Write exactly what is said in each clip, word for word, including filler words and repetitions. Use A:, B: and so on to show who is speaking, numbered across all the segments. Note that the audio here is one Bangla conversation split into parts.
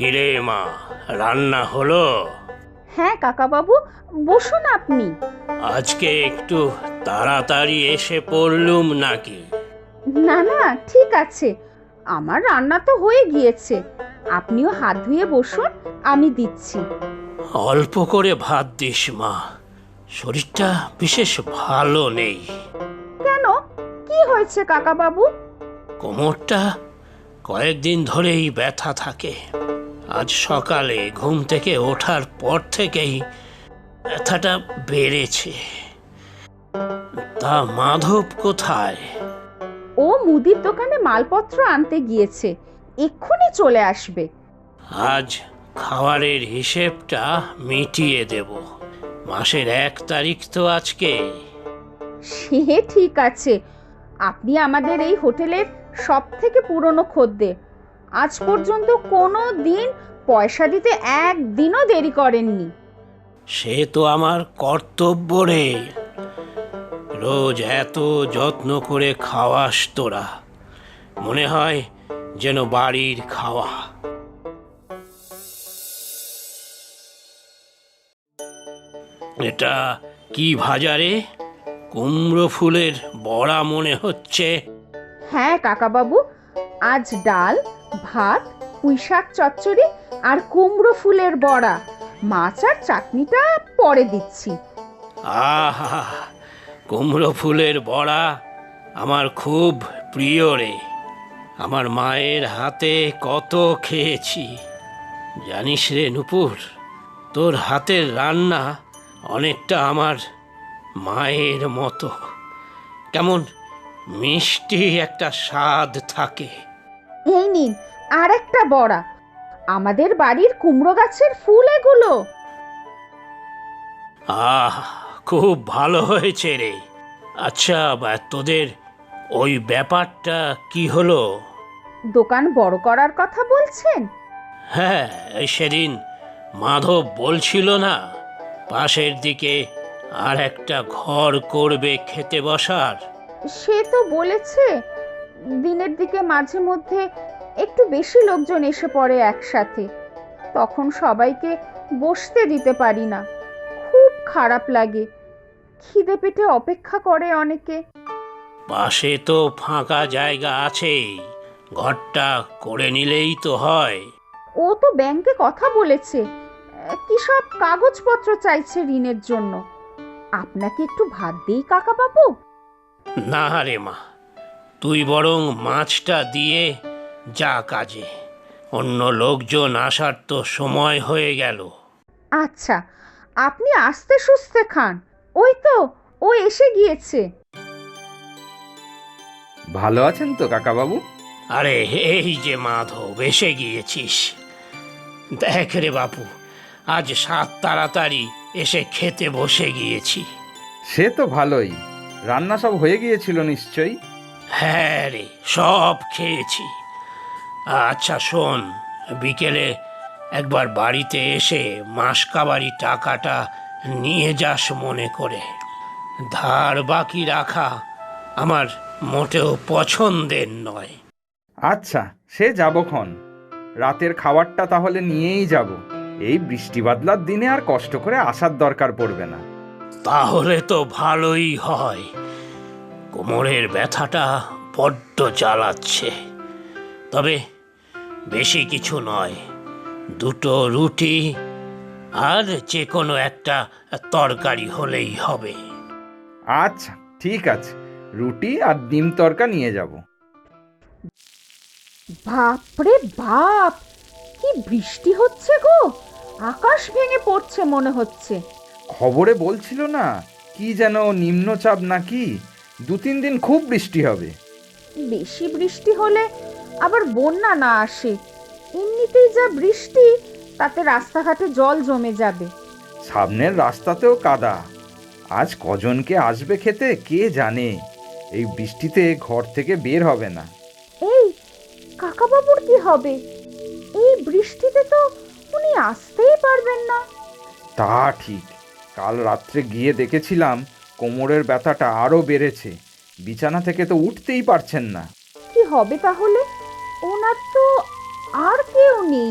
A: কিরে মা, রান্না হলো?
B: হ্যাঁ কাকাবাবু, বসুন আপনি।
A: আজকে একটু তাড়াতাড়ি এসে পড়লুম নাকি?
B: না না, ঠিক আছে, আমার রান্না তো হয়ে গিয়েছে। আপনিও হাত ধুয়ে বসুন, আমি দিচ্ছি।
A: অল্প করে ভাত দিস মা, শরীরটা বিশেষ ভালো নেই।
B: কেন, কি হয়েছে কাকাবাবু?
A: কোমরটা কয়েকদিন ধরেই ব্যথা থাকে। আজ সকালে ঘুম থেকে ওঠার পর থেকেই ব্যথাটা বেড়েছে। তা মাধব কোথায়?
B: ও মুদির দোকানে মালপত্র আনতে গিয়েছে, এক্ষুনি চলে আসবে।
A: আজ খাবারের হিসেবটা মিটিয়ে দেব। মাসের এক তারিখ তো আজকে।
B: সে ঠিক আছে, আপনি আমাদের এই হোটেলের সব থেকে পুরনো খদ্দের। আজ পর্যন্ত কোনো দিন পয়সা দিতে একদিনও দেরি করেননি।
A: সে তো আমার কর্তব্য রে। রোজ এত যত্ন করে খাওয়াস তোরা, মনে হয় যেন বাড়ির খাওয়া। এটা কি ভাজা রে? কুমড়ো ফুলের বড়া মনে হচ্ছে।
B: হ্যাঁ কাকাবাবু, আজ ডাল, ভাত, পুঁই শাক চচ্চড়ি আর কুমড়ো ফুলের বড়া। মাছ আর চাটনিটা পরে দিচ্ছি।
A: আহা, কুমড়ো ফুলের বড়া আমার খুব প্রিয় রে। আমার মায়ের হাতে কত খেয়েছি জানিস রে নূপুর। তোর হাতের রান্না অনেকটা আমার মায়ের মতো। কেমন মিষ্টি একটা স্বাদ থাকে।
B: এই নিন আর একটা বড়া, আমাদের বাড়ির কুমড়ো গাছের ফুল এগুলো।
A: আহ, খুব ভালো হয়েছে রে। আচ্ছা, বা তোদের ওই ব্যাপারটা কি হলো?
B: দোকান বড় করার কথা বলছেন?
A: হ্যাঁ, এই সেদিন মাধব বলছিল না, পাশের দিকে আর একটা ঘর করবে খেতে বসার।
B: সে তো বলেছে, দিনের দিকে মাঝে মধ্যে একটু বেশি লোকজন এসে পড়ে একসাথে, তখন সবাইকে বসতে দিতে পারি না। খুব খারাপ লাগে, খিদে পেটে অপেক্ষা করে অনেকে।
A: পাশে তো ফাঁকা জায়গা আছেই, ঘরটা করে নিলেই তো হয়।
B: ও তো ব্যাংকে কথা বলেছে, আহ, কি সব কাগজপত্র চাইছে ঋণের জন্য। আপনাকে একটু ভাত দেই কাকা বাবু?
A: না রে মা, তুই বরং মাছটা দিয়ে যা কাজে। অন্য লোকজন আসার তো সময় হয়ে গেল।
B: আচ্ছা, আপনি আস্তে সুস্তে খান, ওই তো ও এসে গিয়েছে।
C: ভালো আছেন তো কাকাবাবু?
A: আরে এই যে মাধব, এসে গিয়েছিস। দেখ রে বাপু, আজ সাত তাড়াতাড়ি এসে খেতে বসে গিয়েছি।
C: সে তো ভালোই। রান্না সব হয়ে গিয়েছিল নিশ্চয়ই?
A: হ্যাঁ রে, সব খেয়েছি। আচ্ছা শোন, বিকেলে একবার বাড়িতে এসে মাসকাবারি টাকাটা নিয়ে যাস মনে করে। ধার বাকি রাখা আমার মোটেও পছন্দের নয়।
C: আচ্ছা, সে যাবক্ষণ। রাতের খাবারটা তাহলে নিয়েই যাব। এই বৃষ্টি বাদলার দিনে আর কষ্ট করে আসার দরকার পড়বে না।
A: তাহলে তো ভালোই হয়। কোমরের ব্যথাটা বড্ড জ্বালাচ্ছে। তবে বেশি কিছু নয়, দুটো রুটি আর যে কোনো একটা তরকারি হলেই হবে।
C: আচ্ছা ঠিক আছে, রুটি আর ডিম তরকা নিয়ে যাব।
B: বাপরে বাপ, কি বৃষ্টি হচ্ছে গো! আকাশ ভেঙে পড়ছে মনে হচ্ছে।
C: খবরে বলছিল না, কি যেন নিম্নচাপ নাকি, দু তিন দিন খুব বৃষ্টি হবে।
B: বেশি বৃষ্টি হলে আবার বন্যা না আসে। এমনিতেই যা বৃষ্টি, তাতে রাস্তাঘাটে জল জমে যাবে।
C: সামনের রাস্তাতেও কাদা। আজ কজনকে আসবে খেতে কে জানে। এই বৃষ্টিতে ঘর থেকে বের হবে না।
B: এই কাকাবাবুর কি হবে? এই বৃষ্টিতে তো উনি আসতেই পারবেন না।
C: তা ঠিক, কাল রাত্রে গিয়ে দেখেছিলাম কোমরের ব্যথাটা আরও বেড়েছে। বিছানা থেকে তো উঠতেই পারছেন না।
B: কি হবে তাহলে? ওনার তো আর কেউ নেই,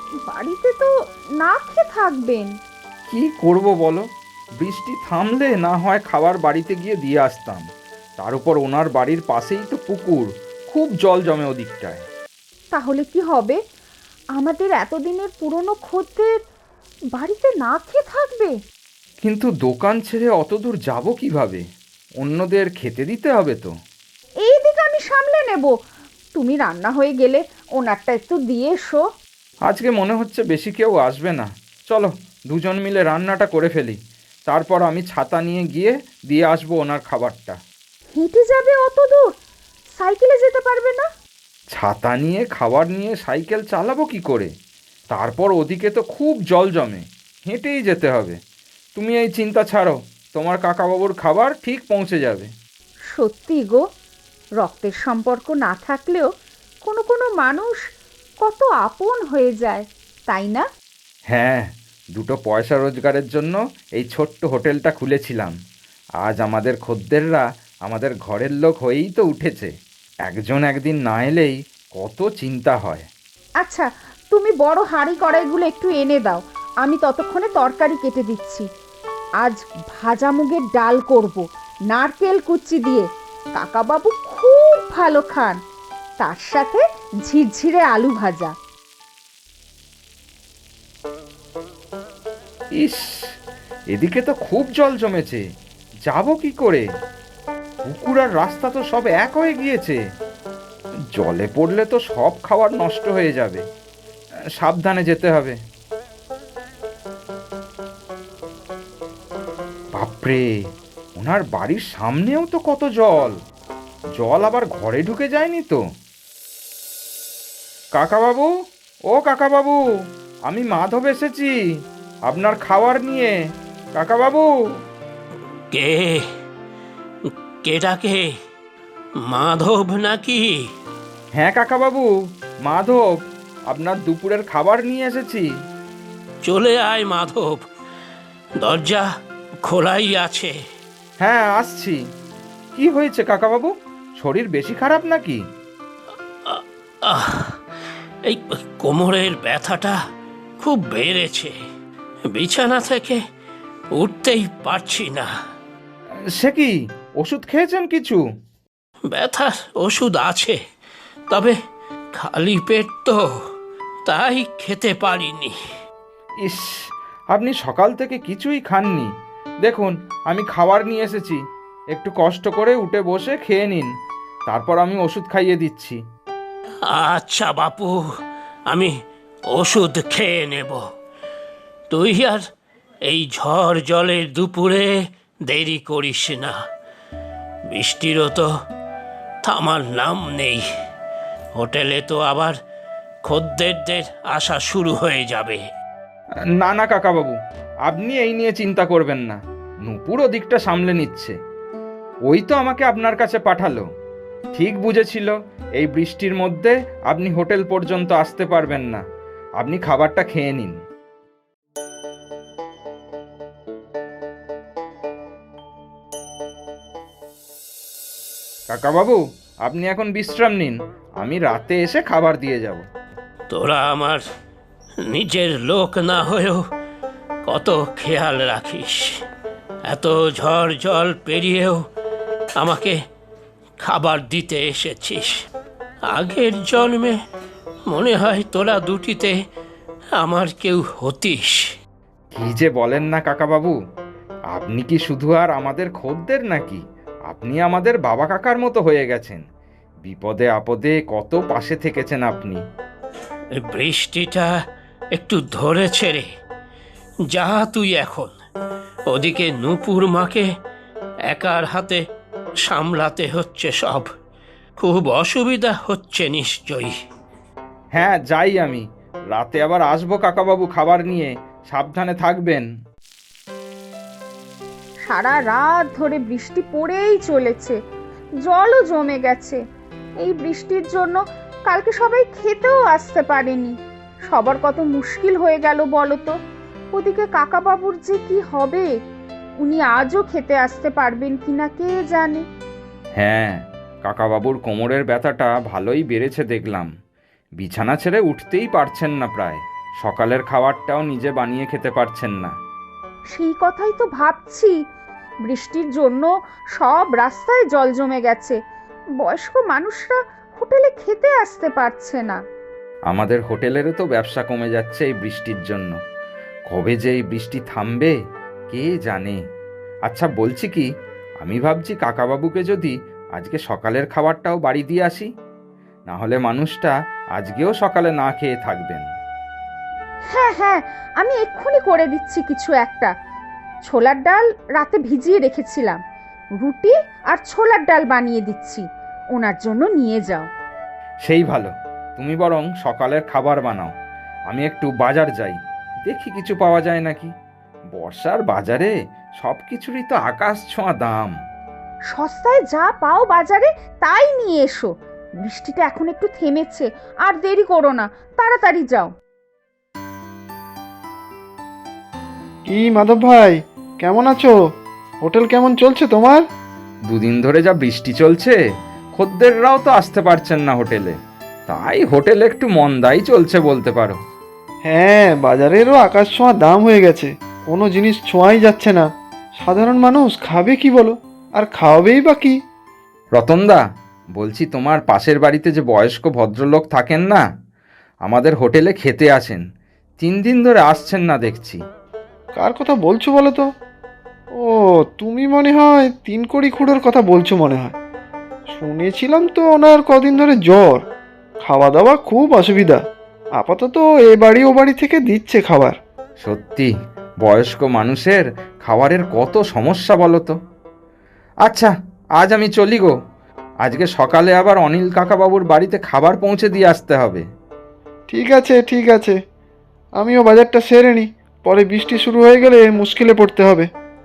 B: বাড়িতে তো না খেয়ে থাকবেন।
C: কি করব বলো, বৃষ্টি থামলে না হয় খাবার বাড়িতে গিয়ে দিয়ে আসতাম। তার উপর ওনার বাড়ির পাশেই তো পুকুর, খুব জল জমে ওদিকটায়।
B: তাহলে কি হবে? আমাদের এতদিনের পুরনো খদ্দের বাড়িতে না খেয়ে থাকবে।
C: কিন্তু দোকান ছেড়ে অত দূর যাব কিভাবে? অন্যদের খেতে দিতে হবে তো।
B: এই দিকে আমি সামলে নেব, তুমি রান্না হয়ে গেলে ওনারটা একটু দিয়ে এসো।
C: আজকে মনে হচ্ছে বেশি কেউ আসবে না। চলো দুজন মিলে রান্নাটা করে ফেলি, তারপর আমি ছাতা নিয়ে গিয়ে দিয়ে আসবো ওনার খাবারটা।
B: হেঁটে যাবে অত দূর? সাইকেলে যেতে পারবে না?
C: ছাতা নিয়ে খাবার নিয়ে সাইকেল চালাবো কি করে? তারপর ওদিকে তো খুব জল জমে, হেঁটেই যেতে হবে। তুমি এই চিন্তা ছাড়ো, তোমার কাকাবাবুর খাবার ঠিক পৌঁছে যাবে।
B: সত্যি গো, রক্তের সম্পর্ক না থাকলেও কোনো কোনো মানুষ কত আপন হয়ে যায়, তাই না?
C: হ্যাঁ, দুটো পয়সা রোজগারের জন্য এই ছোট্ট হোটেলটা খুলেছিলাম। আজ আমাদের খদ্দেররা আমাদের ঘরের লোক হয়েই তো উঠেছে। একজন একদিন না এলেই কত চিন্তা হয়।
B: আচ্ছা, তুমি বড় হাঁড়ি কড়াইগুলো একটু এনে দাও, আমি ততক্ষণে তরকারি কেটে দিচ্ছি। আজ ভাজা মুগের ডাল করব, নারকেল কুচি দিয়ে। কাকাবাবু খুব ভালো খান, তার সাথে ঝিরঝিরে আলু ভাজা।
C: ইস, এদিকে তো খুব জল জমেছে, যাব কি করে? পুকুর আর রাস্তা তো সব এক হয়ে গিয়েছে। জলে পড়লে তো সব খাবার নষ্ট হয়ে যাবে। সাবধানে যেতে হবে। বাপরে, ওনার বাড়ির সামনেও তো কত জল। জল আবার ঘরে ঢুকে যায়নি তো? কাকাবাবু, ও কাকাবাবু, আমি মাধব এসেছি আপনার খাবার নিয়ে। কাকাবাবু।
A: কে কে ডাকে? মাধব নাকি?
C: হ্যাঁ কাকাবাবু, মাধব, আপনার দুপুরের খাবার নিয়ে এসেছি।
A: চলে আয় মাধব, দরজা খোলাই আছে।
C: হ্যাঁ আসছি। কি হয়েছে কাকাবাবু, শরীর বেশি খারাপ নাকি?
A: আহ, এই কোমরের ব্যথাটা খুব বেড়েছে, বিছানা থেকে উঠতেই পারছি না।
C: সে কি, ওষুধ খেয়েছেন কিছু?
A: ব্যথার ওষুধ আছে, তবে খালি পেট তো, তাই খেতে পারিনি।
C: ইস, আপনি সকাল থেকে কিছুই খাননি। দেখুন আমি খাবার নিয়ে এসেছি, একটু কষ্ট করে উঠে বসে খেয়ে নিন, তারপর আমি ওষুধ খাইয়ে দিচ্ছি।
A: আচ্ছা বাপু, আমি ওষুধ খেয়ে নেব। তুই আর এই ঝড় জলের দুপুরে দেরি করিস না, বৃষ্টিরও তো থামার নাম নেই। হোটেলে তো আবার খদ্দেরদের আসা শুরু হয়ে যাবে।
C: না না কাকাবাবু, আপনি এই নিয়ে চিন্তা করবেন না, নুপুর ওদিকটা সামলে নিচ্ছে। ওই তো আমাকে আপনার কাছে পাঠালো, ঠিক বুঝেছিল এই বৃষ্টির মধ্যে আপনি হোটেল পর্যন্ত আসতে পারবেন না। আপনি খাবারটা খেয়ে নিন। কাকাবাবু, আপনি এখন বিশ্রাম নিন, আমি রাতে এসে খাবার দিয়ে যাব।
A: তোরা আমার নিজের লোক না হয়েও কত খেয়াল রাখিস। এত ঝড় জল পেরিয়েও আমাকে খাবার দিতে এসেছিস। আগের জন্মে মনে হয় তোরা দুটিতে আমার কেউ হতিস।
C: কি যে বলেন না কাকাবাবু, আপনি কি শুধু আর আমাদের খদ্দের নাকি, আপনি আমাদের বাবা কাকার মতো হয়ে গেছেন। বিপদে আপদে কত পাশে থেকেছেন আপনি।
A: এই বৃষ্টিটা একটু ধরেছে রে, যা তুই এখন। ওদিকে নূপুর মাকে একার হাতে সামলাতে হচ্ছে সব, খুব অসুবিধা হচ্ছে নিশ্চয়ই।
C: হ্যাঁ যাই আমি, রাতে আবার আসবো কাকাবাবু খাবার নিয়ে, সাবধানে থাকবেন।
B: সারা রাত ধরে বৃষ্টি পড়েই চলেছে, জলও জমে গেছে। এই বৃষ্টির জন্য কালকে সবাই খেতেও আসতে পারেনি। সবার কত মুশকিল হয়ে গেল বলো তো। ওদিকে কাকাবাবুর যে কি হবে, উনি আজও খেতে আসতে পারবেন কিনা কে জানে।
C: হ্যাঁ, কাকাবাবুর কোমরের ব্যথাটা ভালোই বেড়েছে দেখলাম। বিছানা ছেড়ে উঠতেই পারছেন না প্রায়, সকালের খাবারটাও নিজে বানিয়ে খেতে পারছেন না।
B: সেই কথাই তো ভাবছি। বৃষ্টির জন্য সব রাস্তায় জল জমে গেছে, বয়স্ক মানুষরা হোটেলে খেতে আসতে পারছে না।
C: আমাদের হোটেলেরও তো ব্যবসা কমে যাচ্ছে এই বৃষ্টির জন্য। কবে যে এই বৃষ্টি থামবে কে জানে। আচ্ছা বলছি কি, আমি ভাবছি কাকাবাবুকে যদি আজকে সকালের খাবারটাও বাড়ি দিয়ে আসি, না হলে মানুষটা আজকেও সকালে না খেয়ে থাকবেন।
B: হ্যাঁ হ্যাঁ, আমি এক্ষুনি করে দিচ্ছি কিছু একটা। ছোলার ডাল রাতে ভিজিয়ে রেখেছিলাম, রুটি আর ছোলার ডাল বানিয়ে দিচ্ছি, ওনার জন্য নিয়ে যাও।
C: সেই ভালো, তুমি বরং সকালের খাবার বানাও, আমি একটু বাজার যাই, দেখি কিছু পাওয়া যায় নাকি। বর্ষার বাজারে সব কিছুরই তো আকাশ ছোঁয়া দাম।
B: সস্তায় যা পাও বাজারে তাই নিয়ে এসো। বৃষ্টিটা এখন একটু থেমেছে, আর দেরি করো না, তাড়াতাড়ি যাও।
D: কি মাধব ভাই, কেমন আছো? হোটেল কেমন চলছে তোমার?
C: দুদিন ধরে যা বৃষ্টি চলছে, খদ্দেররাও তো আসতে পারছেন না হোটেলে, তাই হোটেল একটু মন্দাই চলছে বলতে পারো।
D: হ্যাঁ, বাজারেরও আকাশ ছোঁয়া দাম হয়ে গেছে, কোনো জিনিস ছোঁয়াই যাচ্ছে না। সাধারণ মানুষ খাবে কি বলো, আর খাওয়াবেই বা কি?
C: রতনদা, বলছি তোমার পাশের বাড়িতে যে বয়স্ক ভদ্রলোক থাকেন না, আমাদের হোটেলে খেতে আসেন, তিন দিন ধরে আসছেন না দেখছি।
D: কার কথা বলছো বলো তো? ও, তুমি মনে হয় তিন কড়ি খুঁড়োর কথা বলছো মনে হয়। শুনেছিলাম তো ওনার কদিন ধরে জ্বর, খাওয়া দাওয়া খুব অসুবিধা। আপাতত এ বাড়ি ও বাড়ি থেকে দিচ্ছে খাবার।
C: সত্যি বয়স্ক মানুষের খাবারের কত সমস্যা বলো তো। আচ্ছা, আজ আমি চলি গো, আজকে সকালে আবার অনিল কাকাবাবুর বাড়িতে খাবার পৌঁছে দিয়ে আসতে হবে।
D: ঠিক আছে ঠিক আছে, আমিও বাজারটা সেরে নিই, পরে বৃষ্টি শুরু হয়ে গেলে মুশকিলে পড়তে হবে।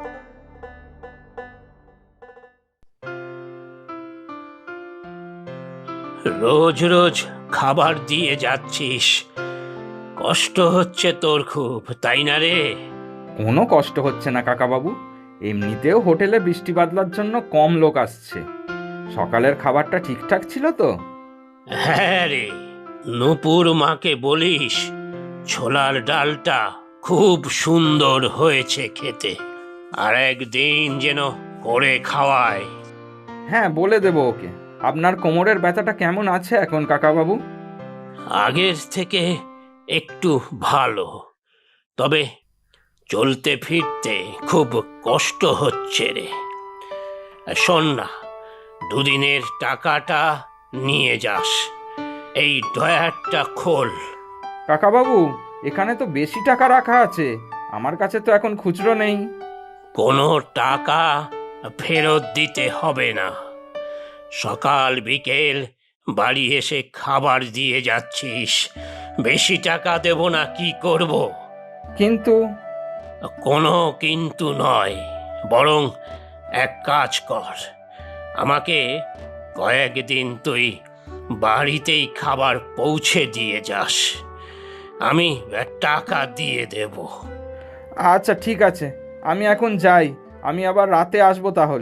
A: রোজ রোজ খাবার দিয়ে যাচ্ছিস, কষ্ট হচ্ছে তোর খুব, তাই না রে?
C: কোনো কষ্ট হচ্ছে না কাকাবাবু, এমনিতেও হোটেলে বৃষ্টি বাদলার জন্য কম লোক আসছে। সকালের খাবারটা ঠিকঠাক ছিল তো?
A: হ্যাঁ রে, নূপুর মাকে বলিস ছোলার ডালটা খুব সুন্দর হয়েছে খেতে, আর একদিন যেন করে খাওয়ায়।
C: হ্যাঁ, বলে দেবো ওকে। আপনার কোমরের ব্যথাটা কেমন আছে এখন কাকাবাবু?
A: আগের থেকে একটু ভালো, তবে চলতে ফিরতে খুব কষ্ট হচ্ছে রে। শোন না, দুদিনের টাকাটা নিয়ে যাস, এই ড্রয়ারটা খোল।
C: কাকাবাবু, এখানে তো বেশি টাকা রাখা আছে, আমার কাছে তো এখন খুচরো নেই।
A: কোনো টাকা ফেরত দিতে হবে না। সকাল বিকেল বাড়ি এসে খাবার দিয়ে যাচ্ছিস, বেশি টাকা দেব না কি করব?
C: কিন্তু
A: কোনো কিন্তু নয়, বরং এক কাজ কর, আমাকে কয়েকদিন তুই বাড়িতেই খাবার পৌঁছে দিয়ে যাস, আমি টাকা দিয়ে দেব।
C: আচ্ছা ঠিক আছে, আমি এখন যাই, আমি আবার রাতে আসবো তাহলে।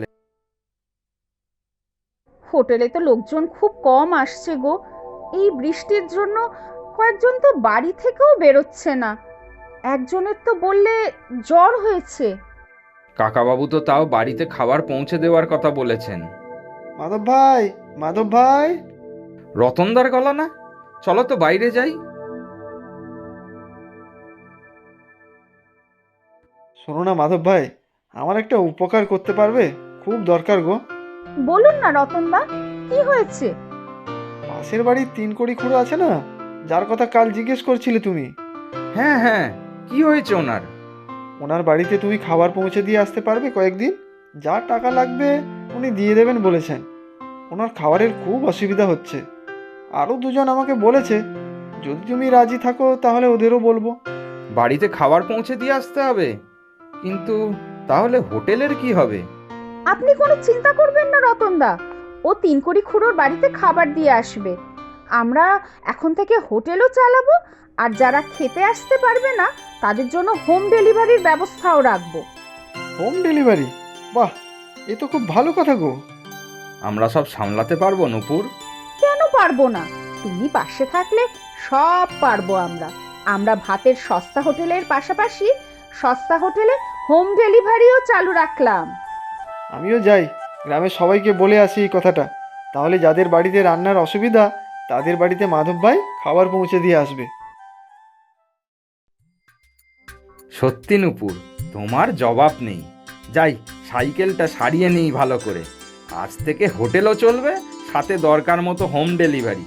B: হোটেলে তো লোকজন খুব কম আসছে গো, এই বৃষ্টির জন্য কয়েকজন তো বাড়ি থেকেও বেরোচ্ছে না। একজনের তো বললে জ্বর হয়েছে।
C: কাকাবাবু তো তাও বাড়িতে খাবার পৌঁছে দেওয়ার কথা বলেছেন।
D: মাধব ভাই, মাধব ভাই।
C: রতনদার গলা না? চলো তো বাইরে যাই।
D: শোনো না মাধব ভাই, আমার একটা উপকার করতে পারবে? খুব দরকার গো।
B: বলুন না রতনদা, কি হয়েছে?
D: পাশের বাড়ির তিন কড়ি খুঁড়ো আছে না, যার কথা কাল জিজ্ঞেস করছিলে তুমি,
C: হ্যাঁ হ্যাঁ, কি হয়েছে ওনার?
D: ওনার বাড়িতে তুমি খাবার পৌঁছে দিয়ে আসতে পারবে কয়েকদিন? যা টাকা লাগবে উনি দিয়ে দেবেন বলেছেন। ওনার খাবারের খুব অসুবিধা হচ্ছে। আরও দুজন আমাকে বলেছে, যদি তুমি রাজি থাকো তাহলে ওদেরও বলবো।
C: বাড়িতে খাবার পৌঁছে দিয়ে আসতে হবে? কিন্তু তাহলে হোটেলের কি হবে?
B: আপনি কোনো চিন্তা করবেন না রতনদা, ও তিন কড়ি খুঁড়োর বাড়িতে খাবার দিয়ে আসবে। আমরা এখন থেকে হোটেলও চালাবো, আর যারা খেতে আসতে পারবে না তাদের জন্য হোম ডেলিভারির ব্যবস্থাও রাখবো।
D: Home delivery? বাহ, এ তো খুব ভালো কথা গো।
C: আমরা সব সামলাতে পারবো নূপুর?
B: কেন পারবো না? তুমি পাশে থাকলে সব পারবো আমরা। আমরা ভাতের সস্তা হোটেলের পাশাপাশি সস্তা হোটেলে হোম ডেলিভারিও চালু রাখলাম।
D: আমিও যাই, গ্রামের সবাইকে বলে আসি এই কথাটা। তাহলে যাদের বাড়িতে রান্নার অসুবিধা তাদের বাড়িতে মাধব ভাই খাবার পৌঁছে দিয়ে আসবে।
C: সত্যি নুপুর, তোমার জবাব নেই। যাই, সাইকেলটা সারিয়ে নিই ভালো করে। আজ থেকে হোটেলও চলবে, সাথে দরকার মতো হোম ডেলিভারি।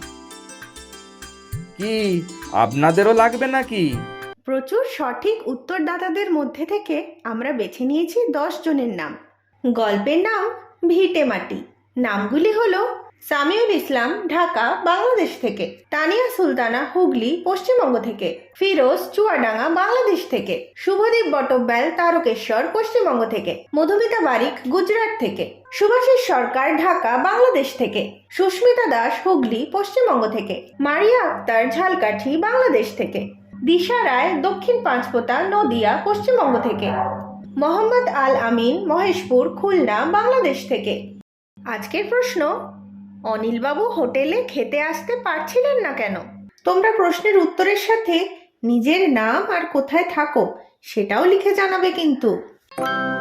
C: কি আপনাদেরও লাগবে নাকি?
E: প্রচুর সঠিক উত্তরদাতাদের মধ্যে থেকে আমরা বেছে নিয়েছি দশ জনের নাম। গল্পের নাম ভিটে মাটি। নামগুলি হলো সামিউল ইসলাম, ঢাকা, বাংলাদেশ থেকে; তানিয়া সুলতানা, হুগলি, পশ্চিমবঙ্গ থেকে; ফিরোজ, চুয়াডাঙ্গা, বাংলাদেশ থেকে; শুভদীপ বটব্যাল, তারকেশ্বর, পশ্চিমবঙ্গ থেকে; মধুমিতা বারিক, গুজরাট থেকে; সুভাষিস সরকার, ঢাকা, বাংলাদেশ থেকে; সুস্মিতা দাস, হুগলি, পশ্চিমবঙ্গ থেকে; মারিয়া আক্তার, ঝালকাঠি, বাংলাদেশ থেকে; দিশা রায়, দক্ষিণ পাঁচপোতা, নদিয়া, পশ্চিমবঙ্গ থেকে; মোহাম্মদ আল আমিন, মহেশপুর, খুলনা, বাংলাদেশ থেকে। আজকের প্রশ্ন: অনিলবাবু হোটেলে খেতে আসতে পারছিলেন না কেন? তোমরা প্রশ্নের উত্তরের সাথে নিজের নাম আর কোথায় থাকো সেটাও লিখে জানাবে কিন্তু।